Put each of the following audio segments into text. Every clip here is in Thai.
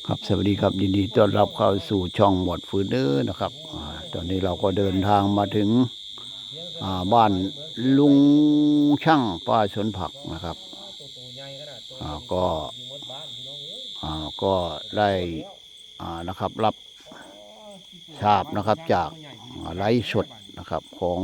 ครับสวัสดีครับยินดีต้อนรับเข้าสู่ช่องหมวดฟืนเด้อนะครับตอนนี้เราก็เดินทางมาถึงบ้านลุงช่างป้าสวนผักนะครับก็ก็ได้นะครับรับทราบนะครับจากไลฟ์สดนะครับของ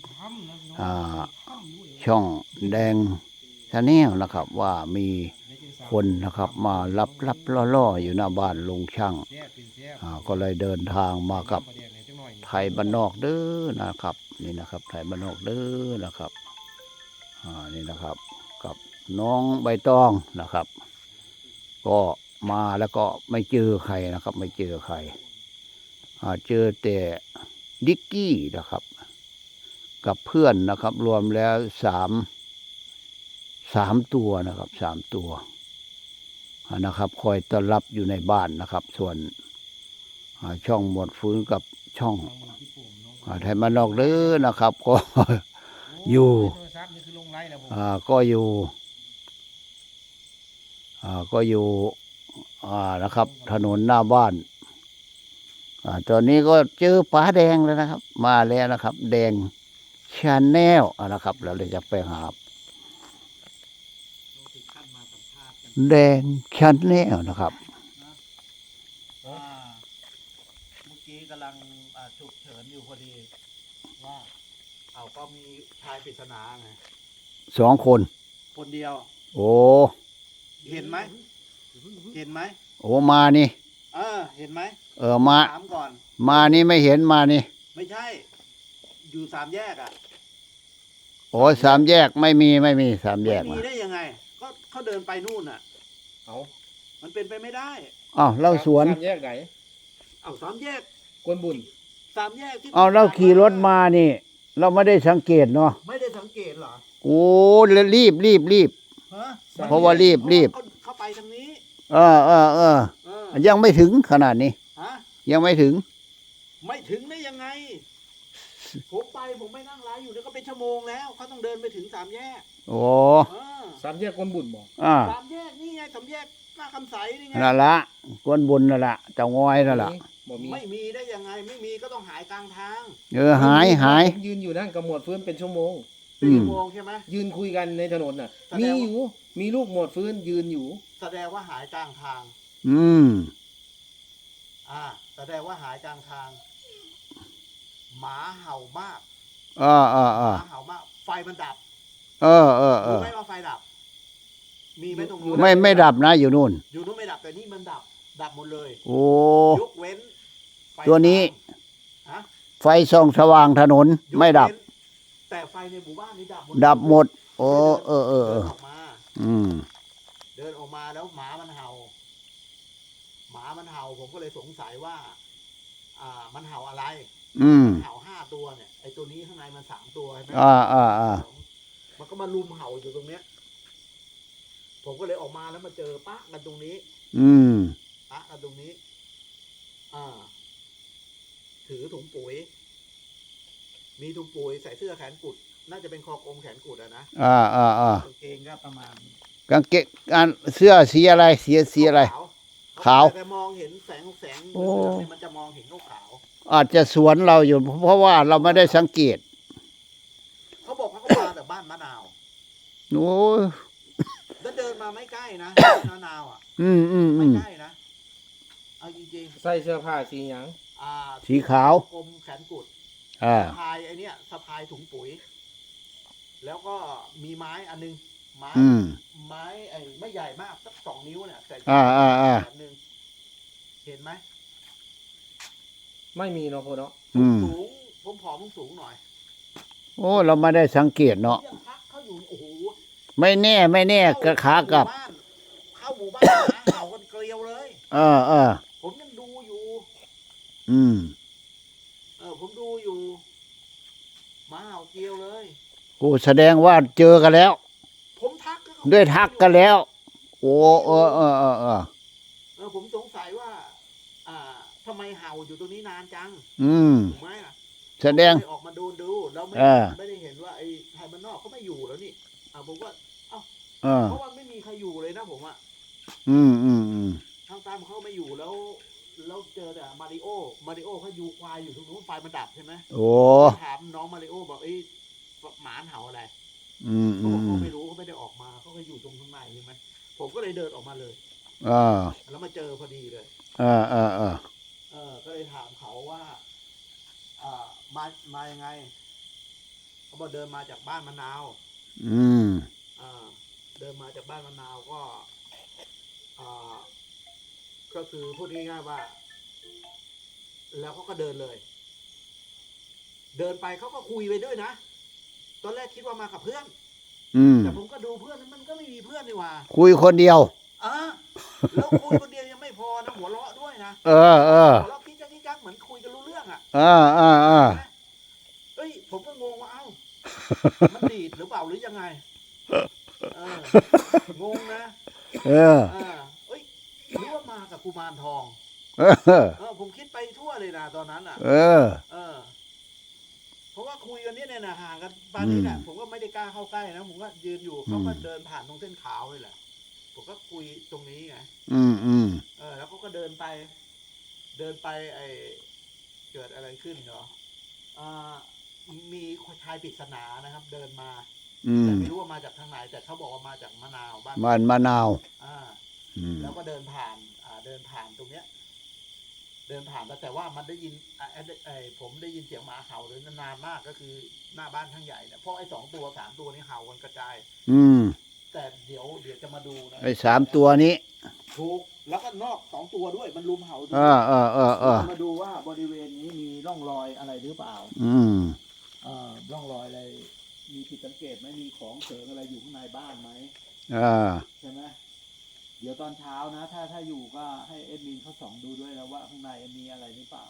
ช่องแดงชาแนลนะครับว่ามีคนนะครับมารับล่ออยู่หน้าบ้านลุงช่างก็เลยเดินทางมากับไทยบ้านนอกเด้อนะครับนี่นะครับไทยบ้านนอกเด้อนะครับนี่นะครับกับน้องใบตองนะครับก็มาแล้วก็ไม่เจอใครนะครับไม่เจอใครเจอแต่ดิกกี้นะครับกับเพื่อนนะครับรวมแล้วสามตัวนะครับ3 ตัวนะครับคอยต้อนรับอยู่ในบ้านนะครับส่วนช่องหมดฟื้นกับช่องไทยมานนอกเด้อนะครับก็อยู่ก็อยู่นะครับถนนหน้าบ้านตอนนี้ก็เจอป๋าแดงแล้วนะครับมาแล้วนะครับแดงชาแนลนะครับเราเลยจะไปหาแดงชาแนลนะครับเมื่อกี้กำลังฉุกเฉินอยู่พอดีว่าก็มีชายปริศนาไง 2 คนคนเดียวโอ้เห็นไหมโอ้มานี่เห็นไหมมาถามก่อนมานี่ไม่เห็นมานี่ไม่ใช่อยู่3 แยกโอ้3 แยกไม่มี3 แยกมีได้ยังไงก็เขาเดินไปนู่นมันเป็นไปไม่ได้เล่าสวน 3 แยกไหน 3 แยกกวนบุญ 3 แยกที่เราขี่รถมานี่เราไม่ได้สังเกตเนาะไม่ได้สังเกตเหรอโอ้รีบเพราะว่ารีบเข้าไปทางนี้ยังไม่ถึงขนาดนี้ยังไม่ถึงได้ยังไงผมไม่นั่งไลฟ์อยู่แล้วก็เป็นชั่วโมงแล้วเขาต้องเดินไปถึง3 แยกโอ้ 3 แยกกวนบุญบอก 3 แยกนี่ไง3 แยกหน้าคำใสนี่ไงนั่นละกวนบุญนั่นละเจ้างอยนั่นละไม่มีได้ยังไงไม่มีก็ต้องหายกลางทางหายยืนอยู่นั่นกับหมวดฟื้นเป็นชั่วโมงใช่ไหมยืนคุยกันในถนนน่ะมีลูกหมวดฟื้นยืนอยู่แสดงว่าหายกลางทางแสดงว่าหายกลางทางหมาเห่ามากหมาเห่ามากไฟมันดับรู้ไหมว่าไฟดับมีไหมตรงนู้นไม่ดับนะอยู่นู่นไม่ดับแต่นี่มันดับหมดเลยโอ้ยกเว้นตัวนี้ไฟส่องสว่างถนนไม่ดับแต่ไฟในหมู่บ้านนี้ดับหมดโอ้เดินออกมาเดินออกมาแล้วหมามันเห่าผมก็เลยสงสัยว่ามันเห่าอะไรเห่า5 ตัวเนี่ยไอ้ตัวนี้ข้างในมัน3 ตัวใช่ไหมมันก็มาลุมเห่าอยู่ตรงเนี้ยผมก็เลยออกมาแล้วมาเจอปะกันตรงนี้ปะกันตรงนี้ถือถุงปุ๋ยมีถุงปุ๋ยใส่เสื้อแขนกุดน่าจะเป็นคอกลมแขนกุดนะกางเกงก็ประมาณกางเกงเสื้อสีอะไรสีอะไรขาวแต่มองเห็นแสงมันจะมองเห็นขาวอาจจะสวนเราอยู่เพราะว่าเราไม่ได้สังเกตเขาบอกเขามาจากบ้านมะนาวโอ้แล้วเดินมาไม่ใกล้นะมะนาวไม่ใกล้นะเอาจริงๆใส่เสื้อผ้าสีหยังสีขาวกลมแขนกุดสะพายไอ้นี่สะพายถุงปุ๋ยแล้วก็มีไม้อันนึงไม้ไอ้ไม่ใหญ่มากสัก2 นิ้วเนี่ยแต่แบบนึงเห็นไหมไม่มีเนาะพ่อเนาะสูงผมผอมสูงหน่อยโอ้เราไม่ได้สังเกตเนาะเขาอยู่โอ้โหไม่แน่กระขากลับเข้าหมู่บ้านนะเห่ากันเกลียวเลยผมยังดูอยู่ผมดูอยู่หมาเห่าเกลียวเลยโอ้แสดงว่าเจอกันแล้วผมทักกันแล้วโอ้ผมสงสัยว่าทำไมเห่าอยู่ตรงนี้นานจังถูกไหมแสดงออกมาดูแล้วไม่ได้เห็นว่าไอ้ไทยมันนอกเขาไม่อยู่แล้วนี่ผมว่าเพราะว่าไม่มีใครอยู่เลยนะผมข้างองตั้มเขาไม่อยู่แล้วเจอแต่มาริโอเขาอยู่ควายอยู่ตรงนู้นไฟมันดับใช่ไหมโอ้ถามน้องมาริโอบอกหมาเห่าอะไรอืมเขาอืบอกเขามไม่รู้เขาไม่ได้ออกมาเขาก็อยู่ตรงข้างในใช่ไหมผมก็เลยเดินออกมาเลยอ่าแล้วมาเจอพอดีเลยอ่าก็เลยถามเขาว่ามายังไงเขาบอกเดินมาจากบ้านมะนาวอืมเดินมาจากบ้านมะนาวก็คือพูดง่ายๆว่า แล้วเขาก็เดินเลย เดินไปเขาก็คุยไปด้วยนะตอนแรกคิดว่ามากับเพื่อนอืมแต่ผมก็ดูเพื่อนมันก็ไม่มีเพื่อนนี่หว่าคุยคนเดียวแล้วคุยคนเดียวยังไม่พอนะหัวเราะด้วยนะเออหัวเราะกิ๊กกักเหมือนคุยกันรู้เรื่องอ่ะ เอ้ยผมก็งงว่าเอ้ามันดีดหรือเปล่าหรือยังไงงงนะเอ้ยหรือว่ามากับกุมารทองผมคิดไปทั่วเลยนะตอนนั้นอ่ะเพราะว่าคุยกันเนี่ยนะห่างกันปานนี้แหละผมก็ไม่ได้กล้าเข้าใกล้นะผมก็ยืนอยู่เขาก็เดินผ่านตรงเส้นขาวเลยแหละผมก็คุยตรงนี้ไงแล้วเขาก็เดินไปเกิดอะไรขึ้นเหรอมีชายปริศนานะครับ เดินมาแต่ไม่รู้ว่ามาจากทางไหนแต่เขาบอกว่ามาจากมะนาวบ้านมะนาวแล้วก็เดินผ่านตรงเนี้ย เดินผ่านแต่ว่ามันได้ยินผมได้ยินเสียงหมาเห่าเลยนานมากก็คือหน้าบ้านข้างใหญ่เนี่ยเพราะไอ้2 ตัว 3 ตัวนี้เห่ากันกระจายแต่เดี๋ยวจะมาดูนะไอ้3 ตัวนี้ถูกแล้วก็นอก2 ตัวด้วยมันลุมเห่าด้วยมาดูว่าบริเวณนี้มีร่องรอยอะไรหรือเปล่าร่องรอยอะไรมีผิดสังเกตไหมมีของเสริมอะไรอยู่ข้างในบ้านไหมใช่ไหมเดี๋ยวตอนเช้านะถ้าอยู่ก็ให้เอ็ดมินเขาส่องดูด้วยนะว่าข้างในมีอะไรหรือเปล่า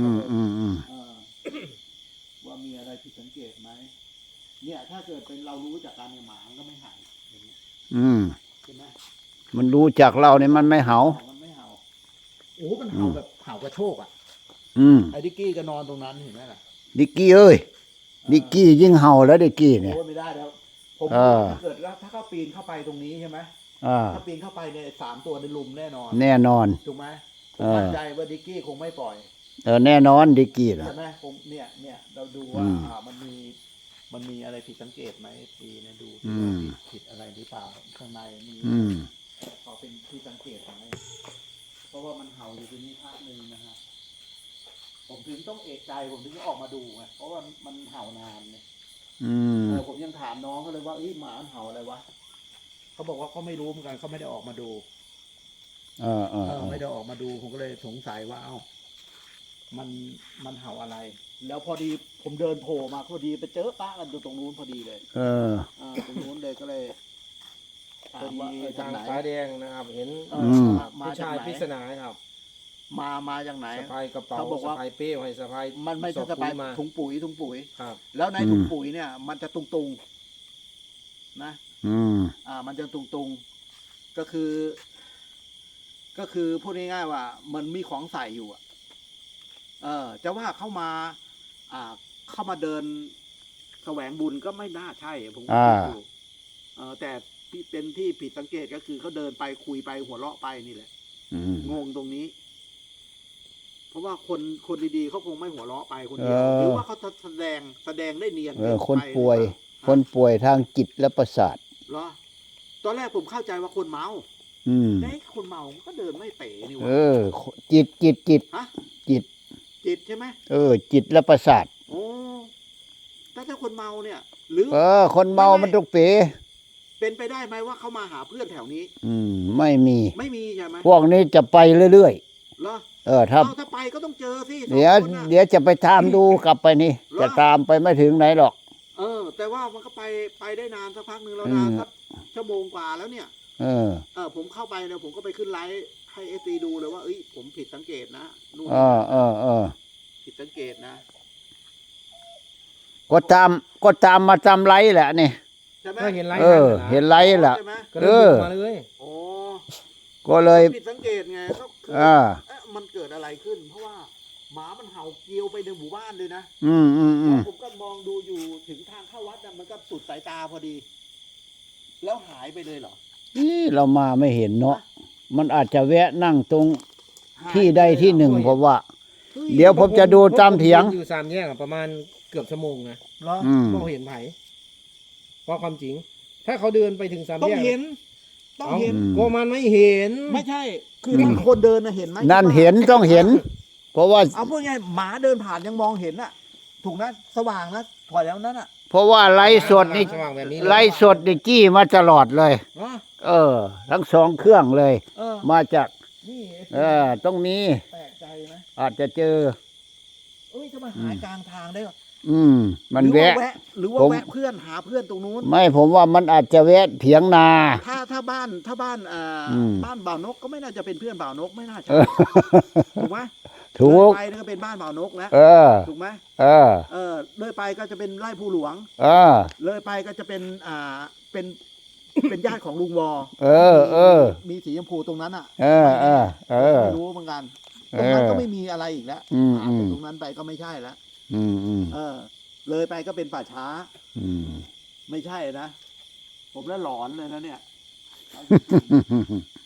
ว่ามีอะไรผิดสังเกตไหมเนี่ยถ้าเกิดเป็นเรารู้จากการเนี่ยหมาก็ไม่เห่าอย่างนี้ใช่ไหมมันรู้จากเราเนี่ยมันไม่เห่าโอ้มันเห่าแบบเห่ากระโชกอ่ะไอ้ดิกกี้ก็นอนตรงนั้นเห็นไหมล่ะดิกกี้เอ้ยดิกกี้ยิ่งเห่าแล้วดิกกี้เนี่ยไม่ได้แล้วผมถ้าเกิดถ้าเขาปีนเข้าไปตรงนี้ใช่ไหมถ้าปีนเข้าไปเนี่ย3 ตัวในลุมแน่นอนถูกไหมผมมั่นใจว่าดิกกี้คงไม่ปล่อยแน่นอนดิกกี้นะใช่ไหมผมเนี่ยเราดูว่ามันมีอะไรผิดสังเกตไหมปีเนี่ยดูผิดอะไรหรือเปล่าข้างในมีพอเป็นที่สังเกตไหมเพราะว่ามันเห่าอยู่ตรงนี้พักนึงนะฮะผมถึงต้องเอะใจผมถึงจะออกมาดูไงเพราะว่ามันเห่านานเนี่ยผมยังถามน้องเขาเลยว่าหมาเห่าอะไรวะเขาบอกว่าเขาไม่รู้เหมือนกันเขาไม่ได้ออกมาดูไม่ได้ออกมาดูผมก็เลยสงสัยว่ามันเห่าอะไร แล้วพอดีผมเดินโผล่มาพอดีไปเจอป้ากันอยู่ตรงนู้นพอดีเลยตรงนู้นเลยก็เลยพอดีทางฟ้าแดงนะครับเห็นผู้ชายปริศนาครับมาจากไหนสะพายกระเป๋าเขาบอกว่าสะพายเป้ให้สะพายมันไม่ใช่สะพายถุงปุ๋ยครับแล้วในถุงปุ๋ยเนี่ยมันจะตุงนะมันจะตุงก็คือพูดง่ายๆว่ามันมีของใส่อยู่จะว่าเข้ามาเดินแสวงบุญก็ไม่น่าใช่ผมก็คิดอยู่แต่เป็นที่ผิดสังเกตก็คือเขาเดินไปคุยไปหัวเราะไปนี่แหละงงตรงนี้เพราะว่าคนดีๆเขาคงไม่หัวเราะไปคนเดียวหรือว่าเขาแสดงได้เนียนคนป่วยทางจิตและประสาทเหรอตอนแรกผมเข้าใจว่าคนเมาได้คนเมาก็เดินไม่เป๋นี่วะจิตฮะจิตใช่ไหมจิตและประสาทโอ้ถ้าคนเมาเนี่ยหรือคนเมามันต้องเป๋เป็นไปได้ไหมว่าเขามาหาเพื่อนแถวนี้ไม่มีใช่ไหมพวกนี้จะไปเรื่อยๆเหรอถ้าไปก็ต้องเจอสิเดี๋ยวจะไปตามดูกลับไปนี่จะตามไปไม่ถึงไหนหรอกแต่ว่ามันก็ไปได้นานสักพักหนึ่งแล้วนานสักชั่วโมงกว่าแล้วเนี่ยผมเข้าไปเนี่ยผมก็ไปขึ้นไลฟ์ให้เอซีดูเลยว่าผมผิดสังเกตนะนู่นผิดสังเกตนะก็ตามมาจำไลฟ์แหละนี่ใช่ไหมเห็นไลฟ์เห็นไลฟ์แหละมาเลยก็เลยผิดสังเกตไงก็คือมันเกิดอะไรขึ้นเพราะว่าหมามันเห่าเกลียวไปในหมู่บ้านเลยนะผมก็มองดูอยู่ถึงทางเข้าวัดน่ะมันก็สุดสายตาพอดีแล้วหายไปเลยเหรอเรามาไม่เห็นเนาะมันอาจจะแวะนั่งตรงที่ใดที่หนึ่งผมว่า เดี๋ยวผมจะดูตามเถียงอยู่สามแยกอะประมาณเกือบชั่วโมงนะเหรออืมก็เห็นไผเพราะความจริง ถ้าเขาเดินไปถึงสามต้องแยกเห็น ต้องเห็นก็มันไม่เห็นไม่ใช่ คือถ้าคนเดินนะเห็นไหมนั่นเห็นต้องเห็น เพราะว่าเอาพูดง่ายหมาเดินผ่านยังมองเห็นน่ะ ถูกนะสว่างนะถอยแล้วนั้นน่ะเพราะว่าไลฟ์สดนี่สว่างแบบนี้เลยไลฟ์สดนี่จี้มาตลอดเลยอ๋อทั้งสองเครื่องเลยเออมาจากนี่ต้องมีแปลกใจไหมอาจจะเจอเอ้ยจะมาหายกลางทางได้เหรอมันหรือว่าแวะหรือว่าผมแวะเพื่อนหาเพื่อนตรงนู้นไม่ผมว่ามันอาจจะแวะเถียงนาถ้าบ้านอืมบ้านบ่าวนกก็ไม่น่าจะเป็นเพื่อนบ่าวนกไม่น่าใช่เออถูกไหมถูกเลยไปนั่นก็เป็นบ้านบ่าวนกแล้วเออถูกไหมเออเลยไปก็จะเป็นไร่ภูหลวงเออเลยไปก็จะเป็นเป็น เป็นญาติของลุงวอ มีสีชมพูตรงนั้นอ่ะ ไม่รู้เหมือนกันตรงนั้นก็ไม่มีอะไรอีกแล้วผ่านไปตรงนั้นไปก็ไม่ใช่แล้วเลยไปก็เป็นป่าช้าไม่ใช่นะ ผมแล้วหลอนเลยนะเนี่ย